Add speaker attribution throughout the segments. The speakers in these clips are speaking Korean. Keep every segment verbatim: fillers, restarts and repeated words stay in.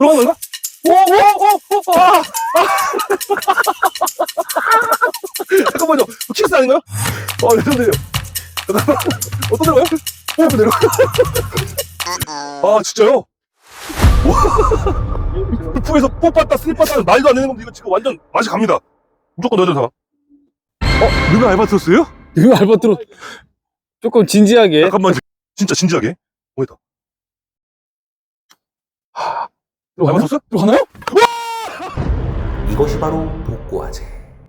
Speaker 1: 들어간 건가? 오오오오 아! 아! 잠깐만요. 키스 아닌가요? 어, 레전드예요. 잠깐만. 어떤 데가요? 오, 그대로. 아, 진짜요? 골프에서 뽑았다, 슬빴다, 말도 안 되는 건데, 이거 지금 완전 맛이 갑니다. 무조건 넣어야 되나? 어, 누가 알바트로스예요?
Speaker 2: 이거 알바트로 조금 진지하게.
Speaker 1: 잠깐만, 진짜 진지하게. 뭐했다? 알바트로스?
Speaker 2: 들어가나요?
Speaker 3: 이것이 바로 복고화제.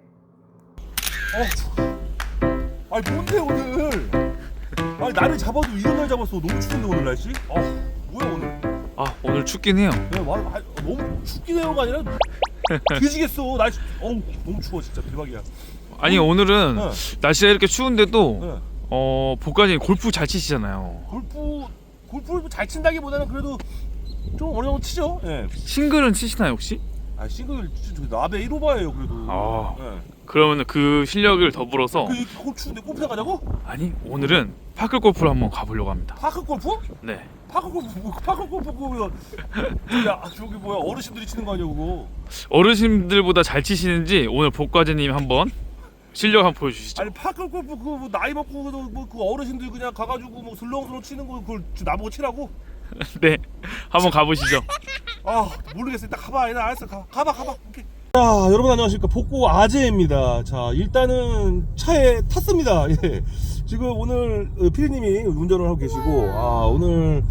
Speaker 1: 아니 뭔데 오늘? 아니 날을 잡아도 이런 날 잡았어. 너무 추운데 오늘 날씨? 아 뭐야 오늘?
Speaker 2: 아 오늘 춥긴 해요.
Speaker 1: 네, 와, 아, 너무 춥긴 해요가 아니라 뒤지겠어. 날씨 어우 너무 추워 진짜 대박이야.
Speaker 2: 아니 오늘은
Speaker 1: 네.
Speaker 2: 날씨가 이렇게 추운데도
Speaker 1: 네.
Speaker 2: 어 복가님 골프 잘 치시잖아요.
Speaker 1: 골프 골프를 잘 친다기보다는 그래도 좀 어느 정도 치죠. 예.
Speaker 2: 싱글은 치시나요 혹시?
Speaker 1: 아 싱글 저 나베 일 오버예요 그래도.
Speaker 2: 아.
Speaker 1: 예.
Speaker 2: 그러면 그 실력을 더불어서
Speaker 1: 그 이렇게 골 추운데 골프 가자고?
Speaker 2: 아니 오늘은 파크 골프를 한번 가보려고 합니다.
Speaker 1: 파크 골프?
Speaker 2: 네.
Speaker 1: 파크 골프 뭐, 파크 골프 그거 야 저기 뭐야 어르신들이 치는 거 아니야 그거?
Speaker 2: 어르신들보다 잘 치시는지 오늘 복과제님 한번 실력 한번 보여주시죠.
Speaker 1: 아니 파크 골프 그거 뭐 나이 먹고 뭐그 어르신들 그냥 가가지고 뭐 슬렁슬렁 치는 거 그걸 나보고 치라고?
Speaker 2: 네. 한번 가보시죠.
Speaker 1: 아 모르겠어. 일단 가봐. 일단 알았어. 가, 가봐 가봐. 오케이. 자 여러분 안녕하십니까. 복고 아재입니다. 자 일단은 차에 탔습니다. 예. 지금 오늘 피디님이 운전을 하고 계시고 아 오늘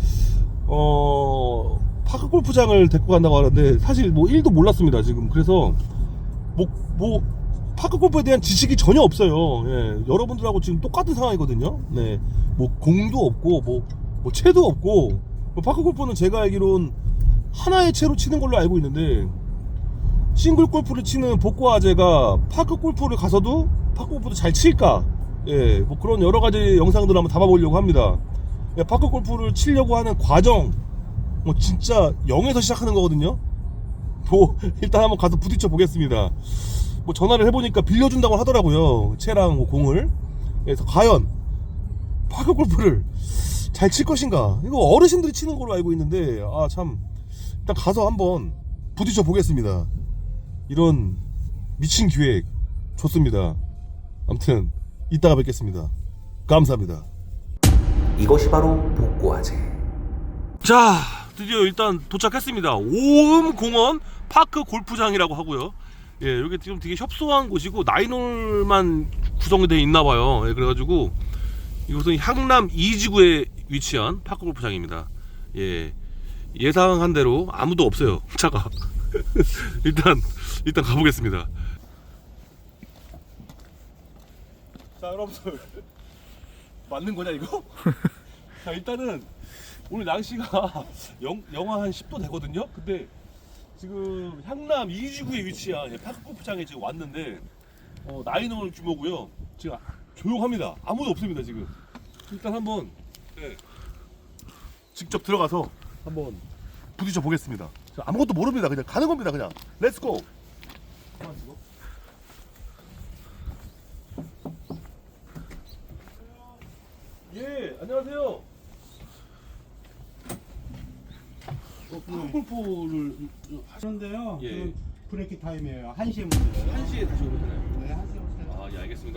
Speaker 1: 어 파크 골프장을 데리고 간다고 하는데 사실 뭐 일도 몰랐습니다 지금. 그래서 뭐 뭐 파크 골프에 대한 지식이 전혀 없어요. 예. 여러분들하고 지금 똑같은 상황이거든요. 네. 뭐 공도 없고 뭐, 뭐 채도 없고 뭐 파크 골프는 제가 알기론 하나의 채로 치는 걸로 알고 있는데 싱글 골프를 치는 복고 아재가 파크 골프를 가서도 파크 골프도 잘 칠까? 예, 뭐 그런 여러 가지 영상들을 한번 담아보려고 합니다. 예, 파크 골프를 치려고 하는 과정, 뭐 진짜 영에서 시작하는 거거든요. 뭐 일단 한번 가서 부딪혀 보겠습니다. 뭐 전화를 해보니까 빌려준다고 하더라고요. 채랑 뭐 공을. 그래서 과연 파크 골프를 잘 칠 것인가? 이거 어르신들이 치는 걸로 알고 있는데 아 참 일단 가서 한번 부딪혀 보겠습니다. 이런 미친 기획 좋습니다. 아무튼 이따가 뵙겠습니다. 감사합니다.
Speaker 3: 이것이 바로 복고화제.
Speaker 1: 자 드디어 일단 도착했습니다. 오음공원 파크 골프장이라고 하고요. 예, 여기 지금 되게 협소한 곳이고 나인홀만 구성이 되어 있나봐요. 예, 그래가지고 이곳은 향남 이지구에 위치한 파크 골프장입니다. 예, 예상한 대로 아무도 없어요. 차가. 일단 일단 가보겠습니다. 자 여러분들 맞는 거냐 이거? 자 일단은 오늘 날씨가 영, 영하 한 십 도 되거든요. 근데 지금 향남 이지구에 위치한 파크 골프장에 지금 왔는데 어, 나인홀 규모고요. 지금 조용합니다. 아무도 없습니다 지금. 일단 한번 네, 직접 들어가서 한번 부딪혀 보겠습니다. 아무것도 모릅니다. 그냥 가는 겁니다. 그냥 렛츠고. 예, 안녕하세요. 어, 파크 골프를
Speaker 4: 하는데요.
Speaker 1: 예.
Speaker 4: 그 브레이크 타임이에요. 한 시에 문제예요.
Speaker 1: 한 시에 다시 오면 되나요?
Speaker 4: 네, 한 시에 오세요.
Speaker 1: 아, 예, 알겠습니다.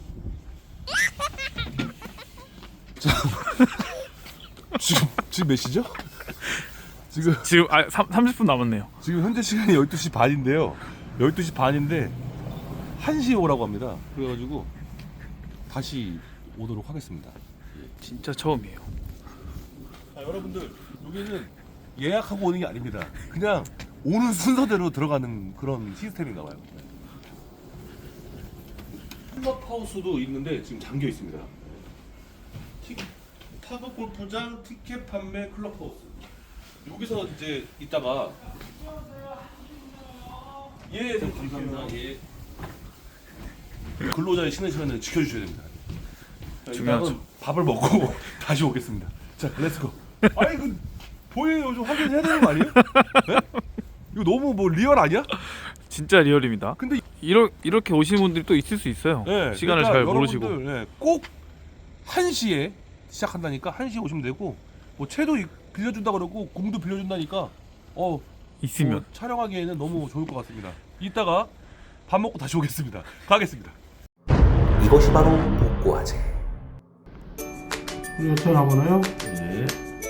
Speaker 1: 지금 지금 몇 시죠? 지금
Speaker 2: 지금 아 삼십 분 남았네요.
Speaker 1: 지금 현재 시간이 열두 시 반인데요. 열두 시 반인데 한 시에 오라고 합니다. 그래가지고 다시 오도록 하겠습니다.
Speaker 2: 진짜 처음이에요.
Speaker 1: 자, 여러분들 여기는 예약하고 오는 게 아닙니다. 그냥 오는 순서대로 들어가는 그런 시스템인가 봐요. 클럽하우스도 있는데 지금 잠겨 있습니다. 티, 파크 골프장 티켓 판매 클럽하우스. 여기서 이제 이따가 예, 감사합니다. 예. 근로자의 쉬는 시간을 지켜주셔야 됩니다. 자,
Speaker 2: 중요하죠.
Speaker 1: 일단은 밥을 먹고 다시 오겠습니다. 자, 렛츠고. 아니 이거 보여요. 좀 확인해야 되는 거 아니에요? 네? 이거 너무 뭐 리얼 아니야?
Speaker 2: 진짜 리얼입니다.
Speaker 1: 근데
Speaker 2: 이러, 이렇게 오시는 분들이 또 있을 수 있어요.
Speaker 1: 네,
Speaker 2: 시간을
Speaker 1: 그러니까
Speaker 2: 잘 모르시고.
Speaker 1: 여러분들, 네, 꼭 한 시에 시작한다니까 한 시에 오시면 되고 뭐 채도 빌려준다 그러고 공도 빌려준다니까 어
Speaker 2: 있으면.
Speaker 1: 어, 촬영하기에는 너무 좋을 것 같습니다. 이따가 밥 먹고 다시 오겠습니다. 가겠습니다.
Speaker 3: 이것이 바로 복고화제.
Speaker 4: 이거 전화번호요?
Speaker 1: 예.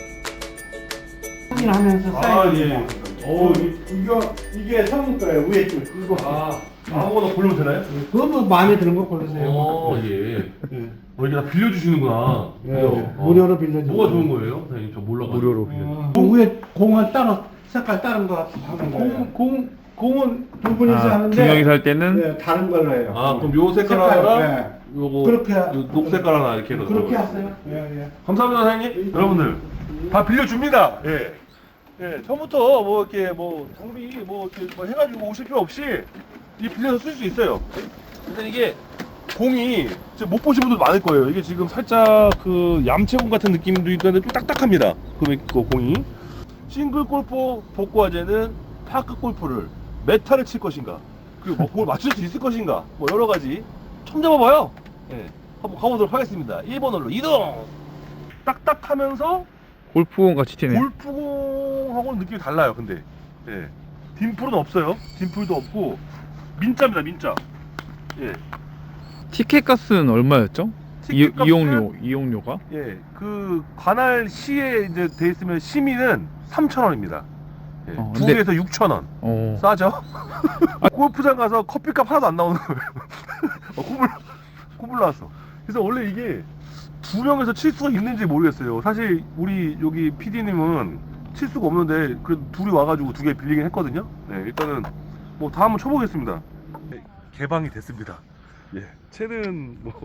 Speaker 4: 확인하면서
Speaker 1: 아,
Speaker 4: 사인입니다.
Speaker 1: 예. 어,
Speaker 4: 이거 이게 성인 거예요. 위에 줄 이거.
Speaker 1: 아, 아무거나 고르면 되나요?
Speaker 4: 그거 뭐 마음에 드는 거 고르세요.
Speaker 1: 어, 예.
Speaker 4: 예.
Speaker 1: 어, 이게 다 빌려주시는구나.
Speaker 4: 예,
Speaker 1: 그래요?
Speaker 4: 예.
Speaker 1: 어.
Speaker 4: 무료로 빌려주고.
Speaker 1: 뭐가 좋은 거예요? 선생님, 저 몰라가지고. 무료로
Speaker 4: 어, 그 위에 공을 따로 색깔 다른 거 하는 거예요.
Speaker 1: 공, 공, 공은
Speaker 4: 두 분이서
Speaker 2: 아,
Speaker 4: 하는데
Speaker 2: 두 명이서 할 때는
Speaker 4: 네, 다른 걸로 해요.
Speaker 1: 아, 그럼 요 색깔
Speaker 4: 색깔,
Speaker 1: 하나랑 요거
Speaker 4: 그렇게 하-
Speaker 1: 요 녹색깔 하나 이렇게 해서
Speaker 4: 그렇게
Speaker 1: 넣어요.
Speaker 4: 하세요. 예, 예.
Speaker 1: 감사합니다, 사장님. 여러분들 다 빌려줍니다. 예. 예, 처음부터 뭐 이렇게 뭐 장비 뭐 이렇게 뭐 해가지고 오실 필요 없이 이 빌려서 쓸 수 있어요. 근데 이게 공이 지금 못 보신 분들 많을 거예요. 이게 지금 살짝 그 얌체공 같은 느낌도 있는데 좀 딱딱합니다. 그, 그 공이. 싱글 골프 복고화제는 파크 골프를 메타를 칠 것인가, 그리고 뭐 공을 맞출 수 있을 것인가, 뭐 여러 가지 첨 잡아봐요. 예, 한번 가보도록 하겠습니다. 일 번 홀로 이동. 딱딱하면서
Speaker 2: 골프공 같이 튀네.
Speaker 1: 골프공하고는 느낌이 달라요. 근데 예, 딤플은 없어요. 딤플도 없고 민자입니다. 민자. 예,
Speaker 2: 티켓 값은 얼마였죠? 이,
Speaker 1: 티켓 값은
Speaker 2: 이용료, 이용료가?
Speaker 1: 예, 그 관할 시에 이제 돼 있으면 시민은 삼천 원입니다. 예,
Speaker 2: 어,
Speaker 1: 두
Speaker 2: 근데-
Speaker 1: 개에서 육천 원.
Speaker 2: 어.
Speaker 1: 싸죠? 골프장 가서 커피값 하나도 안 나오는 거예요. 어, 콧물, 콧물 나왔어. 그래서 원래 이게 두 명에서 칠 수가 있는지 모르겠어요. 사실 우리 여기 피디님은 칠 수가 없는데 그래도 둘이 와가지고 두 개 빌리긴 했거든요. 네, 일단은 뭐 다 한번 쳐보겠습니다. 네, 개방이 됐습니다. 예, 채는 뭐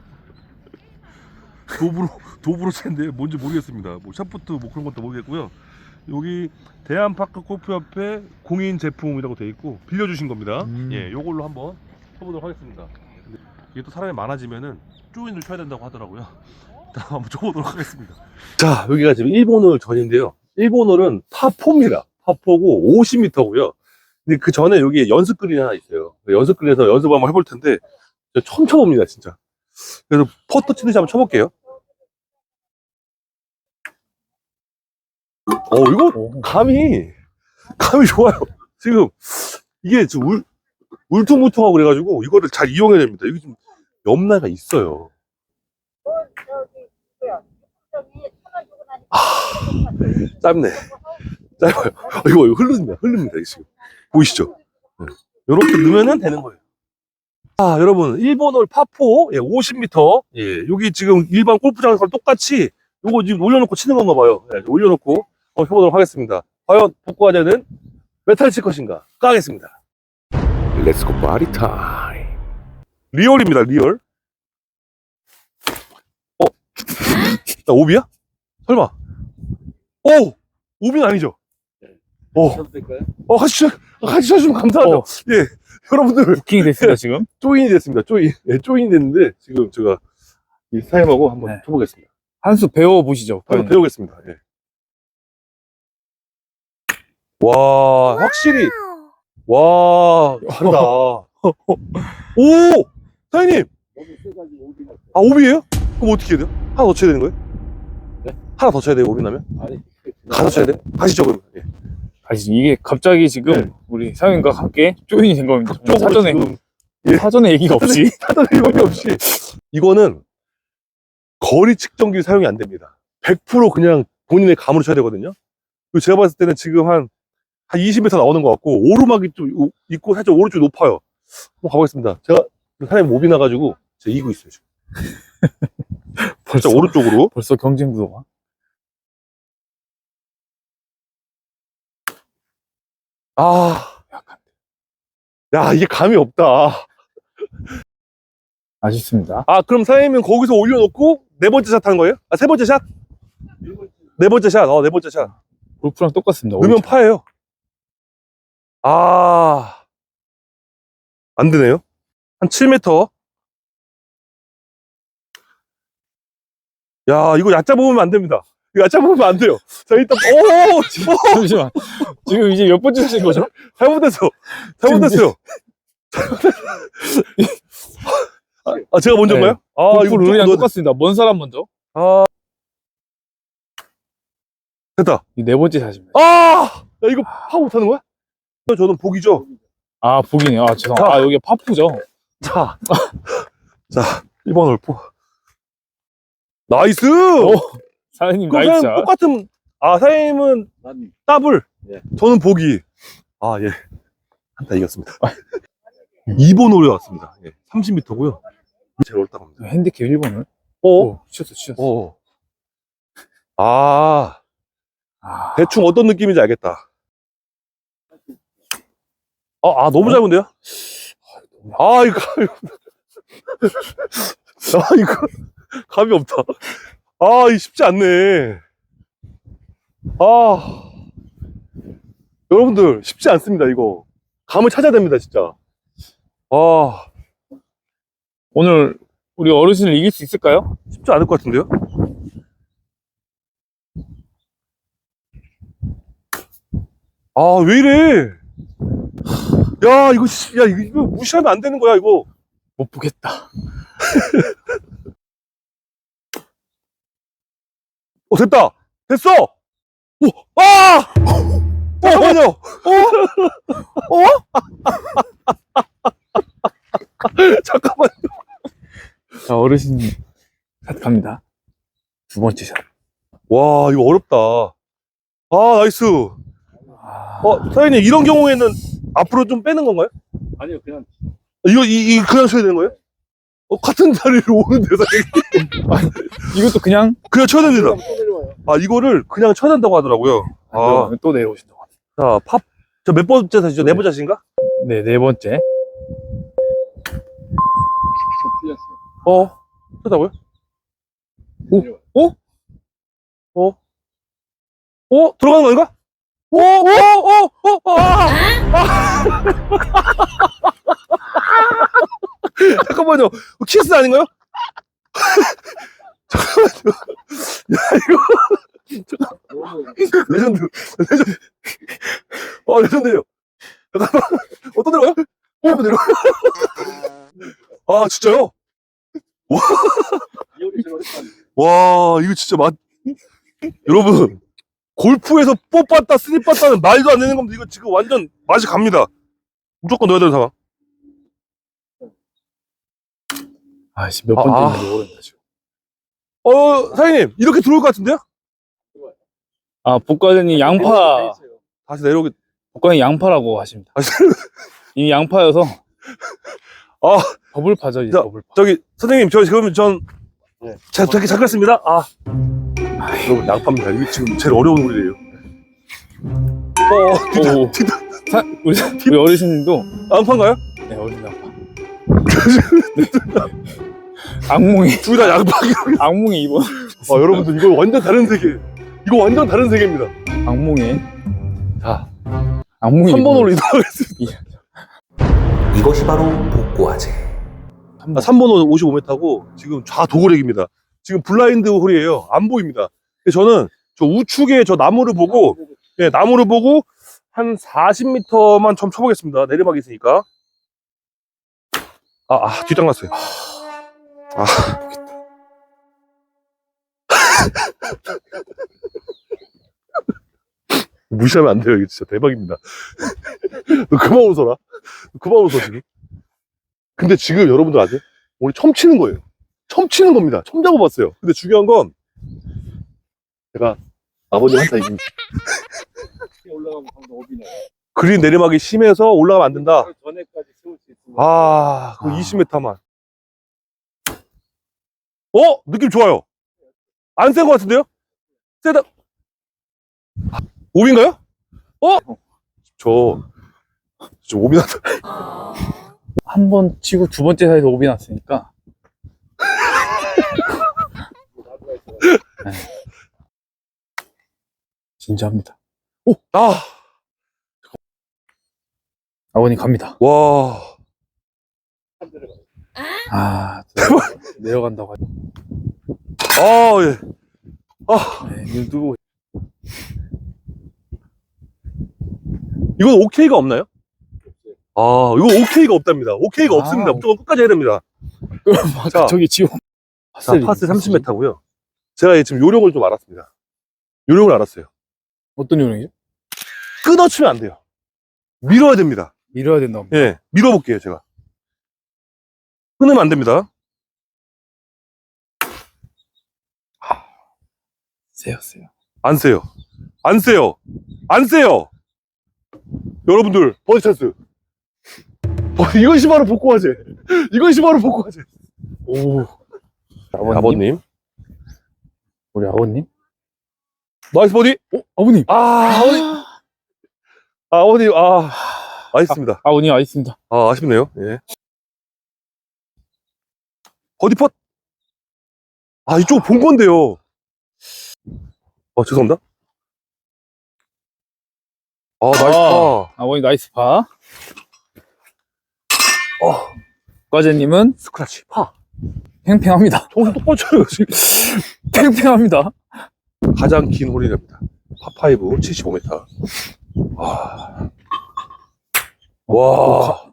Speaker 1: 도브로 도브로 채인데 뭔지 모르겠습니다. 뭐 샤프트 뭐 그런 것도 모르겠고요. 여기 대한파크 골프협회 공인 제품이라고 돼 있고 빌려주신 겁니다.
Speaker 2: 음.
Speaker 1: 예, 요걸로 한번 쳐보도록 하겠습니다. 근데 이게 또 사람이 많아지면은 조인을 쳐야 된다고 하더라고요. 일단 한번 쳐보도록 하겠습니다. 자, 여기가 지금 일본홀 전인데요. 일본홀은 파포입니다. 파포고 오십 미터고요. 근데 그 전에 여기 연습그린이 하나 있어요. 연습그린에서 연습 한번 해볼 텐데 처음 쳐봅니다, 진짜. 그래서 퍼터 치듯이 한번 쳐볼게요. 어, 이거 감이 감이 좋아요. 지금 이게 지금 울, 울퉁불퉁하고 그래가지고 이거를 잘 이용해야 됩니다. 이게 좀 염라가 있어요. 아, 짧네. 짧아요. 어, 이거, 이거 흐릅니다. 흐릅니다. 이거 지금 보이시죠? 이렇게 넣으면 되는 거예요. 아, 여러분, 일본홀 파포, 예, 오십 미터. 예, 여기 지금 일반 골프장에서 똑같이 요거 지금 올려놓고 치는 건가 봐요. 예, 올려놓고 한번 해보도록 하겠습니다. 과연 복고화제는 메탈 칠 것인가? 까겠습니다. 렛츠고 파티 타임. 리얼입니다, 리얼. 어? 나 오비야? 설마? 오! 오비는 아니죠? 오. 어, 같이, 쳐- 같이 쳐주시면 감사하죠.
Speaker 2: 어.
Speaker 1: 예. 여러분들,
Speaker 2: 부킹이 됐습니다, 지금.
Speaker 1: 조인이 됐습니다. 조인. 예, 조인이 됐는데, 지금 제가 이 사임하고 한번
Speaker 2: 네.
Speaker 1: 쳐보겠습니다.
Speaker 2: 한 수 배워보시죠.
Speaker 1: 한번 배우겠습니다. 예. 와, 확실히. 와, 다르다. 오! 사장님! 아, 오비예요? 그럼 어떻게 해야 돼요? 하나 더 쳐야 되는 거예요? 네? 하나 더 쳐야 돼요, 오비 나면? 아니. 하나 더 쳐야 돼요? 가시죠, 그러면. 예.
Speaker 2: 아시 이게 갑자기 지금
Speaker 1: 네.
Speaker 2: 우리 사장님과 함께 조인이 된 겁니다.
Speaker 1: 쪽으로
Speaker 2: 사전에,
Speaker 1: 지금 예.
Speaker 2: 사전에 얘기가 없이.
Speaker 1: 사전 일본이 없이. 이거는 거리 측정기 사용이 안 됩니다. 백 퍼센트 그냥 본인의 감으로 쳐야 되거든요. 그리고 제가 봤을 때는 지금 한, 한 이십 미터 나오는 것 같고, 오르막이 좀 있고, 살짝 오른쪽이 높아요. 한번 가보겠습니다. 제가 사장님 오비 나가지고, 제가 이기고 있어요, 지금.
Speaker 2: 벌써,
Speaker 1: 살짝 오른쪽으로.
Speaker 2: 벌써 경쟁 구도가.
Speaker 1: 아, 야, 이게 감이 없다.
Speaker 2: 아쉽습니다.
Speaker 1: 아, 그럼 사장님은 거기서 올려놓고, 네 번째 샷 하는 거예요? 아, 세 번째 샷? 네 번째 샷, 어, 네 번째 샷.
Speaker 2: 골프랑 똑같습니다.
Speaker 1: 넣으면 파예요. 아, 안 되네요. 한 칠 미터. 야, 이거 얕잡아 보면 안 됩니다. 이거 얕잡아 보면 안 돼요. 자, 일단, 오! 오!
Speaker 2: 잠시만. 지금 이제 몇 번째 하신 거죠?
Speaker 1: 잘못했어. 잘못했어요. 아, 아, 제가 먼저인가요?
Speaker 2: 네.
Speaker 1: 아,
Speaker 2: 골프
Speaker 1: 이거
Speaker 2: 룰이랑
Speaker 1: 조금
Speaker 2: 똑같습니다. 먼 사람 먼저.
Speaker 1: 아, 됐다.
Speaker 2: 이 네 번째 샷입니다.
Speaker 1: 아! 야, 이거 파 못하는 거야? 저는 복이죠.
Speaker 2: 아, 보기네요. 아, 죄송.
Speaker 1: 자.
Speaker 2: 아, 여기 파푸죠.
Speaker 1: 자, 자, 일 번 홀포. 나이스!
Speaker 2: 오, 사장님
Speaker 1: 그럼
Speaker 2: 나이스.
Speaker 1: 그냥 똑같은, 아, 사장님은 더블. 저는 보기. 아, 예. 한타 이겼습니다. 이 번 홀에 왔습니다. 예. 삼십 미터고요. 제가 옳다고 합니다.
Speaker 2: 핸디캡 일 번을.
Speaker 1: 어?
Speaker 2: 오, 치셨어, 치셨어.
Speaker 1: 어. 아,
Speaker 2: 아,
Speaker 1: 대충 어떤 느낌인지 알겠다. 아, 아 너무 짧은데요? 아, 이거, 아, 이거, 감이 없다. 아, 이거 쉽지 않네. 아, 여러분들, 쉽지 않습니다, 이거. 감을 찾아야 됩니다, 진짜. 아,
Speaker 2: 오늘 우리 어르신을 이길 수 있을까요?
Speaker 1: 쉽지 않을 것 같은데요? 아, 왜 이래? 야, 이거, 씨, 야, 이거, 이거 무시하면 안 되는 거야, 이거.
Speaker 2: 못 보겠다.
Speaker 1: 어, 됐다! 됐어! 오, 아! 잠깐만요! 어? 어? 잠깐만요.
Speaker 2: 자, 어르신 샷 갑니다. 두 번째 샷.
Speaker 1: 와, 이거 어렵다. 아, 나이스.
Speaker 2: 아,
Speaker 1: 어, 사장님, 이런 경우에는 앞으로 좀 빼는 건가요?
Speaker 4: 아니요, 그냥.
Speaker 1: 이거, 이, 이, 그냥 쳐야 되는 거예요? 어, 같은 자리로 오는데, 사장님.
Speaker 2: 이것도 그냥
Speaker 1: 그냥 쳐야 됩니다.
Speaker 4: 또 내려와요.
Speaker 1: 아, 이거를 그냥 쳐야 된다고 하더라고요. 아,
Speaker 2: 또 내려오신다고.
Speaker 1: 자, 팝. 저 몇 번째 사시죠? 네 번째 사신가?
Speaker 2: 네, 네 번째.
Speaker 4: 또 틀렸어요.
Speaker 1: 어, 쳐다고요?
Speaker 2: 오, 오,
Speaker 1: 어? 어? 들어가는 거 아닌가? 어? 어? 어? 어? 아! 아! 잠깐만요. 키스 아닌가요? 잠깐만요. 야, 이거. 잠깐. 레전드. 레전드. 어, 레전드예요. 잠깐만. 어떤 데로 가요? 어떤 데로 가요? 아, 진짜요?
Speaker 4: 이혼이 제일 어렵다.
Speaker 1: 와, 이거 진짜 맛. 여러분, 골프에서 뽑았다, 스립 봤다는 말도 안 되는 겁니다. 이거 지금 완전 맛이 갑니다. 무조건 넣어야 되는 상황.
Speaker 2: 아씨, 몇
Speaker 1: 아,
Speaker 2: 번째
Speaker 1: 아.
Speaker 2: 인지 모르겠다, 지금.
Speaker 1: 어, 사장님, 이렇게 들어올 것 같은데요?
Speaker 2: 아, 복과장님 양파,
Speaker 1: 다시 내려오기.
Speaker 2: 복과장님 양파라고 하십니다.
Speaker 1: 아,
Speaker 2: 이미 양파여서.
Speaker 1: 아,
Speaker 2: 더블파죠, 이제
Speaker 1: 자,
Speaker 2: 더블파.
Speaker 1: 저기, 선생님, 저 지금 전,
Speaker 4: 네.
Speaker 1: 자, 저기 잠깐습니다. 아. 여러분, 양파입니다. 이게 지금 제일 어려운 홀이에요. 어,
Speaker 2: 오, 사, 우리, 우리 어르신님도.
Speaker 1: 양파인가요?
Speaker 2: 네, 어르신 양파. 악몽이,
Speaker 1: 둘 다 양파.
Speaker 2: 악몽이 이번.
Speaker 1: 아, 여러분들, 이거 완전 다른 세계. 이거 완전 다른 세계입니다.
Speaker 2: 악몽이.
Speaker 1: 자,
Speaker 2: 악몽이.
Speaker 1: 삼 번 홀로 이동하겠습니다.
Speaker 3: 이것이 바로 복고화제.
Speaker 1: 아, 삼 번 홀 오십오 미터고, 지금 좌도그렉입니다. 지금 블라인드 홀이에요. 안 보입니다. 그래서 저는 저 우측에 저 나무를 보고, 네, 나무를 보고 한 사십 미터만 좀 쳐보겠습니다. 내리막이 있으니까. 아, 아 뒷땅 났어요. 아, 무시하면 안 돼요. 이거 진짜 대박입니다. 너 그만 웃어라. 너 그만 웃어, 지금. 근데 지금 여러분들 아세요? 오늘 처음 치는 거예요. 처음 치는 겁니다. 처음 잡아봤어요. 근데 중요한 건 제가 아버님한테 이긴
Speaker 4: 올라가면 방금 오비네.
Speaker 1: 그린 내리막이 심해서 올라가면 안 된다.
Speaker 4: 그 전에까지 세울 수 있으면.
Speaker 1: 아, 그
Speaker 2: 아.
Speaker 1: 이십 미터만. 어? 느낌 좋아요. 안 센 것 같은데요? 세다. 오비인가요? 어? 저, 저 오비 났다.
Speaker 2: 한 번 치고 두 번째 사에서 오비 났으니까. 네. 진짜합니다.
Speaker 1: 오! 아!
Speaker 2: 아버님 갑니다.
Speaker 1: 와.
Speaker 2: 아, 내려가, 내려간다고 하죠.
Speaker 1: 아, 예. 아,
Speaker 2: 네, 눈
Speaker 1: 이건 오케이가 없나요? 아, 이거 오케이가 없답니다. 오케이가
Speaker 2: 아.
Speaker 1: 없습니다. 무조건 끝까지 해야 됩니다. 자,
Speaker 2: 저기 지금.
Speaker 1: 자, 파스 삼십 미터고요. 제가 지금 요령을 좀 알았습니다. 요령을 알았어요.
Speaker 2: 어떤 요령이죠?
Speaker 1: 끊어치면 안 돼요. 밀어야 됩니다.
Speaker 2: 밀어야 된다.
Speaker 1: 예, 밀어볼게요, 제가. 끊으면 안 됩니다.
Speaker 2: 세요, 세요.
Speaker 1: 안 세요. 안 세요. 안 세요. 여러분들, 버디 찬스. 어, 이것이 바로 복고화제. 이것이 바로 복고화제.
Speaker 2: 오. 아버님?
Speaker 1: 아버님.
Speaker 2: 우리 아버님?
Speaker 1: 나이스 버디.
Speaker 2: 어, 아버님.
Speaker 1: 아, 아버님. 아, 아버님, 아, 아쉽습니다.
Speaker 2: 아버님 아있습니다.
Speaker 1: 아, 아쉽네요. 예. 버디 펫. 아, 이쪽 본 건데요. 아, 죄송합니다. 아, 나이스 파.
Speaker 2: 아버님 나이스 파.
Speaker 1: 어,
Speaker 2: 과제님은
Speaker 1: 스크래치 파.
Speaker 2: 팽팽합니다.
Speaker 1: 정신 똑바로 차려요, 지금.
Speaker 2: 팽팽합니다.
Speaker 1: 가장 긴 홀이랍니다. 파파이브 칠십오 미터. 와. 와.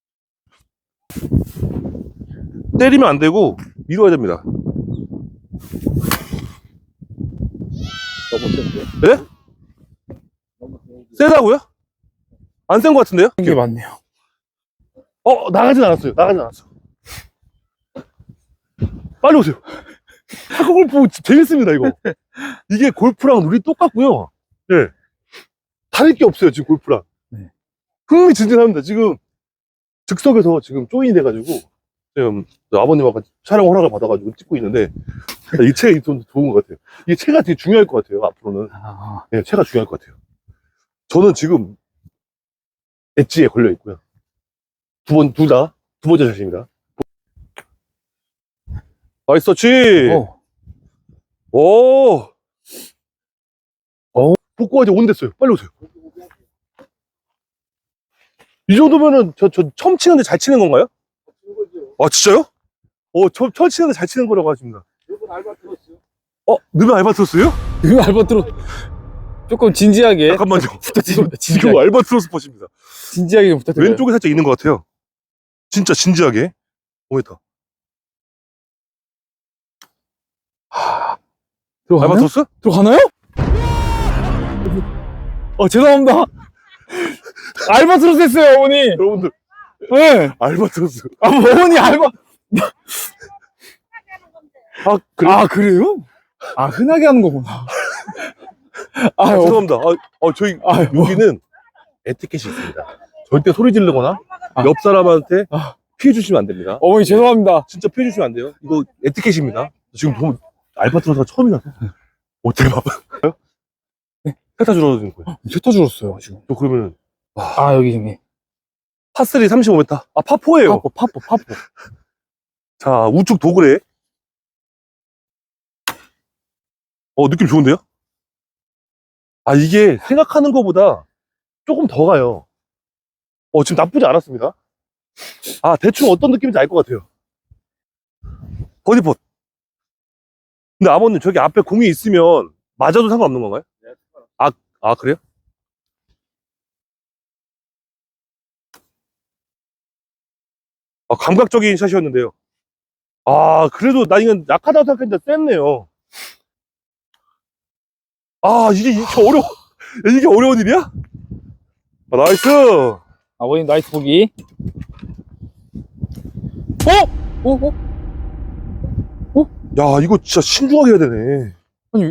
Speaker 1: 때리면 안 되고 밀어야 됩니다.
Speaker 2: 너무 센데?
Speaker 1: 네? 세다고요? 안 센 것 같은데요?
Speaker 2: 이게 맞네요.
Speaker 1: 어, 나가진 않았어요. 나가진 않았어. 빨리 오세요. 타코 골프 재밌습니다, 이거. 이게 골프랑 룰이 똑같고요. 예. 다를 게 없어요, 지금 골프랑.
Speaker 2: 네.
Speaker 1: 흥미진진합니다. 지금 즉석에서 지금 조인이 돼가지고, 지금 아버님하고 촬영 허락을 받아가지고 찍고 있는데, 이 채가 좀 좋은 것 같아요. 이게 채가 되게 중요할 것 같아요, 앞으로는.
Speaker 2: 아,
Speaker 1: 예, 채가 중요할 것 같아요. 저는 지금 엣지에 걸려 있고요. 두 번, 둘 다, 두 번째 자신입니다. 나이스 터치!
Speaker 2: 어.
Speaker 1: 오!
Speaker 2: 어?
Speaker 1: 복구가 이제 온댔어요. 빨리 오세요. 이 정도면은, 저, 저, 처음 치는데 잘 치는 건가요? 아, 진짜요? 어, 처음, 처음 치는데 잘 치는 거라고 하십니다. 어, 너는 알바트로스요?
Speaker 2: 이거 알바트로 조금 진지하게
Speaker 1: 잠깐만요.
Speaker 2: 부탁드립니다.
Speaker 1: 지금
Speaker 2: 진지하게,
Speaker 1: 알바트로스 퍼십니다.
Speaker 2: 진지하게 좀 부탁드려요.
Speaker 1: 왼쪽에 살짝 있는 것 같아요. 진짜 진지하게. 오 미터.
Speaker 2: 들어가나요?
Speaker 1: 알바트로스?
Speaker 2: 들어가나요? 어, 죄송합니다. 알바트로스 했어요, 어머니.
Speaker 1: 여러분들,
Speaker 2: 네.
Speaker 1: 알바트로스.
Speaker 2: 아, 어머니 알바.
Speaker 1: 아, 그래?
Speaker 2: 아, 그래요? 아, 흔하게 하는 거구나. 아,
Speaker 1: 아,
Speaker 2: 어,
Speaker 1: 죄송합니다. 아, 어, 저희,
Speaker 2: 아,
Speaker 1: 여기는 에티켓이 있습니다. 절대 소리 지르거나,
Speaker 2: 아.
Speaker 1: 옆 사람한테
Speaker 2: 아.
Speaker 1: 피해 주시면 안 됩니다.
Speaker 2: 어머니 죄송합니다.
Speaker 1: 진짜 피해 주시면 안 돼요. 이거 에티켓입니다. 지금 보면 알바트로스가 처음이라서. 어떻게 봐봐.
Speaker 2: 네.
Speaker 1: 세타 줄어드는 거예요.
Speaker 2: 세타 줄었어요, 지금.
Speaker 1: 또 그러면은,
Speaker 2: 아, 여기 지금.
Speaker 1: 파쓰리 삼십오 미터. 아, 파포예요.
Speaker 2: 파포, 파포, 파포.
Speaker 1: 자, 우측 도그레. 어, 느낌 좋은데요? 아, 이게 생각하는 것보다 조금 더 가요. 어, 지금 나쁘지 않았습니다. 아, 대충 어떤 느낌인지 알 것 같아요. 버디폿. 근데 아버님, 저기 앞에 공이 있으면 맞아도 상관없는 건가요? 아, 아, 그래요? 아, 감각적인 샷이었는데요. 아, 그래도 나 이건 약하다고 생각했는데 셌네요. 아, 이게 이렇게 어려워. 이게 어려운 일이야? 아, 나이스!
Speaker 2: 아버님 나이스 보기. 어? 어? 어?
Speaker 1: 야, 이거 진짜 신중하게 해야 되네.
Speaker 2: 아니,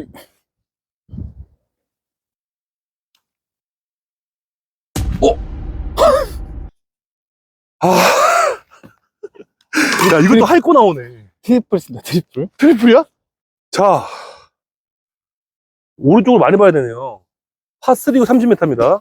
Speaker 1: 아. 야, 이것도 할 거 나오네.
Speaker 2: 트리플 쓴다, 트리플.
Speaker 1: 트리플이야? 자. 오른쪽을 많이 봐야 되네요. 파쓰리고 삼십 미터입니다.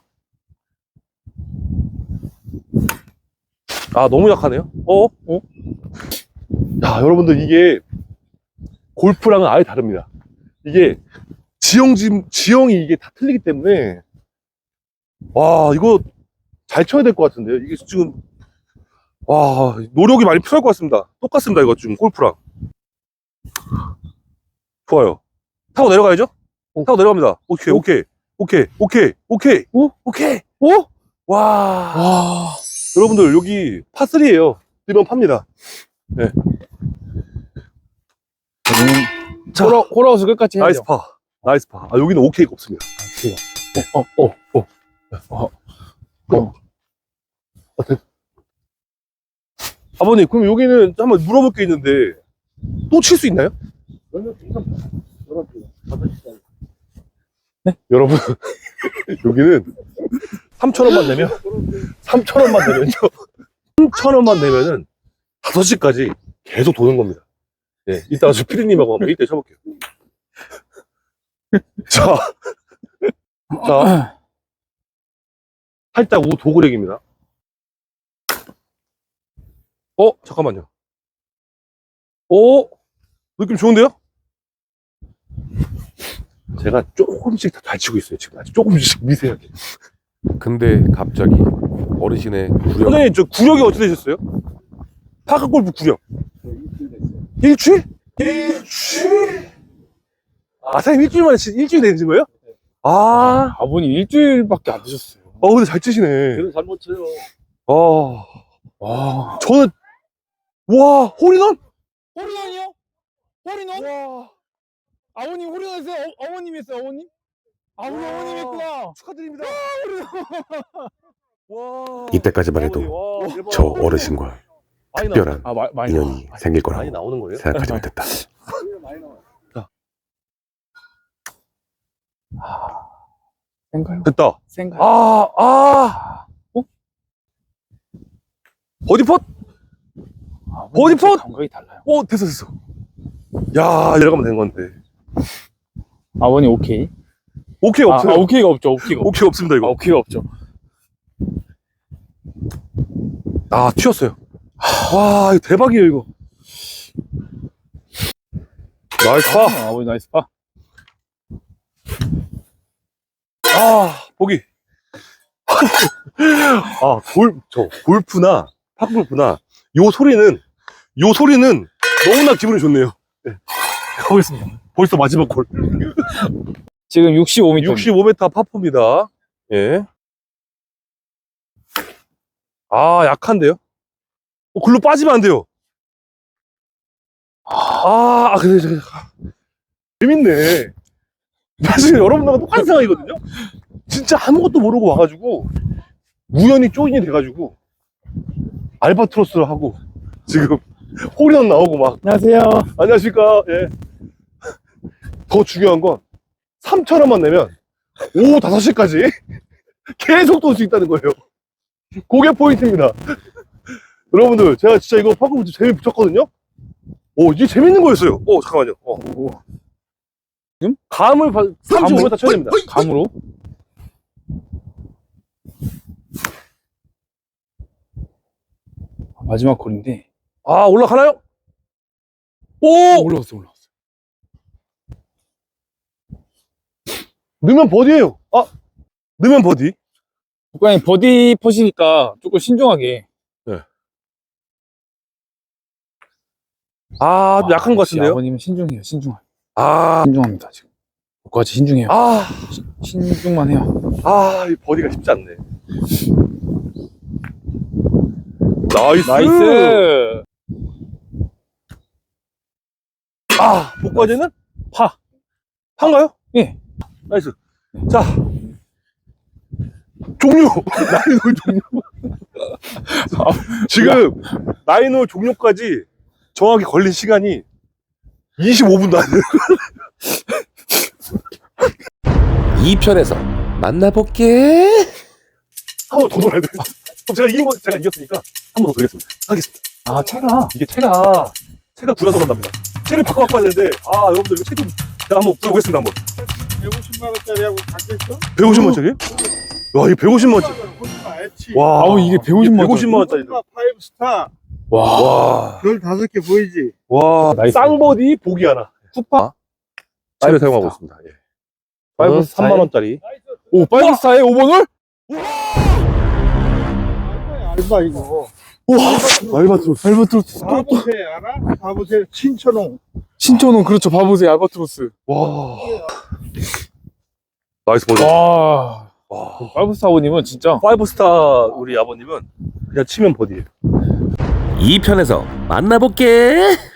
Speaker 1: 아, 너무 약하네요. 어? 어? 야, 여러분들, 이게 골프랑은 아예 다릅니다. 이게 지형지, 지형이 이게 다 틀리기 때문에, 와, 이거 잘 쳐야 될 것 같은데요. 이게 지금, 와, 노력이 많이 필요할 것 같습니다. 똑같습니다, 이거 지금 골프랑. 좋아요. 타고 내려가야죠?
Speaker 2: 오.
Speaker 1: 타고 내려갑니다. 오케이,
Speaker 2: 오.
Speaker 1: 오케이, 오케이, 오케이, 오케이,
Speaker 2: 오?
Speaker 1: 오케이.
Speaker 2: 오?
Speaker 1: 와,
Speaker 2: 와.
Speaker 1: 여러분들, 여기 파쓰리예요. 일번 팝니다. 네. 자,
Speaker 2: 홀아, 홀아웃을 끝까지 해야죠.
Speaker 1: 나이스 파. 나이스 파. 아, 여기는 오케이가 없습니다.
Speaker 2: 어, 어, 어. 어.
Speaker 1: 어. 아, 됐- 아버님, 그럼 여기는 한번 물어볼 게 있는데, 또 칠 수 있나요? 네? 여러분, 여기는 삼천 원만 내면, 삼천 원만 내면요. 삼천 원만 내면은 다섯 시까지 계속 도는 겁니다. 예, 이따가 저 피디님하고 한번 일 대 쳐볼게요. 자, 자, 살짝 우 도그렉입니다. 어, 잠깐만요. 어, 느낌 좋은데요? 제가 조금씩 다 잘 치고 있어요, 지금. 아주 조금씩 미세하게.
Speaker 5: 근데 갑자기 어르신의 구력
Speaker 1: 선생님, 저 구력이 어떻게 되셨어요? 파크골프 구력. 일주일? 일주일? 아, 선생님 일주일 만에 치, 일주일 되신 거예요? 아,
Speaker 2: 아버님 일주일밖에 안 되셨어요.
Speaker 1: 어, 근데 잘 치시네.
Speaker 6: 그래도 잘못 쳐요.
Speaker 1: 아,
Speaker 2: 와.
Speaker 1: 저는, 와, 홀인원?
Speaker 2: 홀인원이요? 홀인원? 와. 아버님 홀인원 했어요? 어, 어머님 했어요, 어머님? 아, 우리 어머님 했구나.
Speaker 1: 축하드립니다. 와.
Speaker 5: 이때까지만 해도
Speaker 1: 와, 대박.
Speaker 5: 저 어르신과
Speaker 1: 많이
Speaker 5: 특별한
Speaker 2: 아, 마, 많이
Speaker 5: 인연이
Speaker 2: 나와.
Speaker 5: 생길
Speaker 1: 나- 많이
Speaker 5: 거라고
Speaker 1: 나오는 거예요?
Speaker 5: 생각하지 못했다.
Speaker 2: 센가요?
Speaker 1: 됐다.
Speaker 2: 센가요?
Speaker 1: 아, 아.
Speaker 2: 어?
Speaker 1: 버디폿?
Speaker 2: 아,
Speaker 1: 버디폿?
Speaker 2: 감각이 달라요.
Speaker 1: 어, 됐어, 됐어. 야, 이러가면 되는 건데.
Speaker 2: 아버님 오케이.
Speaker 1: 오케이,
Speaker 2: 아,
Speaker 1: 없어요.
Speaker 2: 아, 오케이가 없죠. 오케이가 없죠.
Speaker 1: 오케이, 없습니다,
Speaker 2: 아,
Speaker 1: 이거.
Speaker 2: 오케이가 없죠.
Speaker 1: 아, 튀었어요. 와, 이거 대박이에요, 이거. 나이스 파.
Speaker 2: 아, 아버님 나이스 파.
Speaker 1: 아, 보기. 아, 골, 저, 골프나, 팝골프나, 요 소리는, 요 소리는 너무나 기분이 좋네요. 네. 가보겠습니다. 벌써 마지막 골.
Speaker 2: 지금 육십오 미터.
Speaker 1: 육십오 미터 파포입니다. 예. 아, 약한데요? 어, 글로 빠지면 안 돼요. 아, 아, 근데, 저, 재밌네. 사실 여러분들과 똑같은 상황이거든요? 진짜 아무것도 모르고 와가지고, 우연히 조인이 돼가지고, 알바트로스를 하고, 지금, 홀인원 나오고 막,
Speaker 2: 안녕하세요.
Speaker 1: 안녕하십니까. 예. 더 중요한 건, 삼천 원만 내면, 오후 다섯 시까지 계속 돌 수 있다는 거예요. 그게 포인트입니다. 여러분들, 제가 진짜 이거 방금 재미 붙였거든요? 오, 이게 재밌는 거였어요. 오, 잠깐만요. 어.
Speaker 2: 지금?
Speaker 1: 감을 봐- 삼십오 미터 쳐야 됩니다.
Speaker 2: 감으로. 마지막 골인데.
Speaker 1: 아, 올라가나요? 오!
Speaker 2: 올라왔어, 올라왔어.
Speaker 1: 넣으면 버디예요. 아, 넣으면 버디.
Speaker 2: 국장님 버디 퍼시니까 조금 신중하게.
Speaker 1: 아, 좀 약한 것
Speaker 2: 역시
Speaker 1: 같은데요?
Speaker 2: 아버님은 신중해요, 신중해요.
Speaker 1: 아,
Speaker 2: 신중합니다, 지금. 국까지 신중해요.
Speaker 1: 아,
Speaker 2: 신중만 해요.
Speaker 1: 아, 이 버디가 쉽지 않네. 나이스!
Speaker 2: 나이스!
Speaker 1: 아, 복과제는?
Speaker 2: 파.
Speaker 1: 파인가요?
Speaker 2: 예.
Speaker 1: 나이스. 자. 종료! 나인홀 종료. 지금, 나인홀 종료까지 정확히 걸린 시간이 이십오 분도 안 돼요.
Speaker 5: 이 편에서 만나볼게.
Speaker 1: 한 번 더 놀아야 돼. 그럼 제가 이긴 거, 제가 이겼으니까 한 번 더 돌겠습니다. 하겠습니다.
Speaker 2: 아, 차가.
Speaker 1: 이게 채가, 채가 굴러서 간답니다. 채를 바꿔 갖고 왔는데, 아, 여러분들 이거 채 좀, 제가 한번 불어보겠습니다, 한번.
Speaker 6: 백오십만 원짜리하고 같겠어?
Speaker 1: 백오십만 원짜리? 와, 이게 백오십만 원짜리. 와,
Speaker 2: 아우, 이게 백오십만 원짜리.
Speaker 1: 백오십만 원짜리.
Speaker 6: 파이브 스타.
Speaker 2: 와.
Speaker 1: 와,
Speaker 6: 별 다섯 개 보이지?
Speaker 1: 와,
Speaker 2: 나이스.
Speaker 1: 쌍버디 보기 하나.
Speaker 2: 푸파.
Speaker 1: 파이브 사용하고 있습니다. 예. 파이브 삼만 원짜리.
Speaker 2: 오, 파이브스타에 오 번을?
Speaker 6: 알바 이거.
Speaker 1: 알바트로스.
Speaker 2: 알바트로스.
Speaker 6: 바보새 알아? 바보새 신천홍.
Speaker 2: 신천홍, 그렇죠. 봐보세요, 알바트로스.
Speaker 1: 와. 나이스 버디.
Speaker 2: 와.
Speaker 1: 와.
Speaker 2: 파이브스타 아버님은 진짜.
Speaker 1: 파이브 스타 우리 아버님은 그냥 치면 버디예요.
Speaker 5: 이 편에서 만나볼게.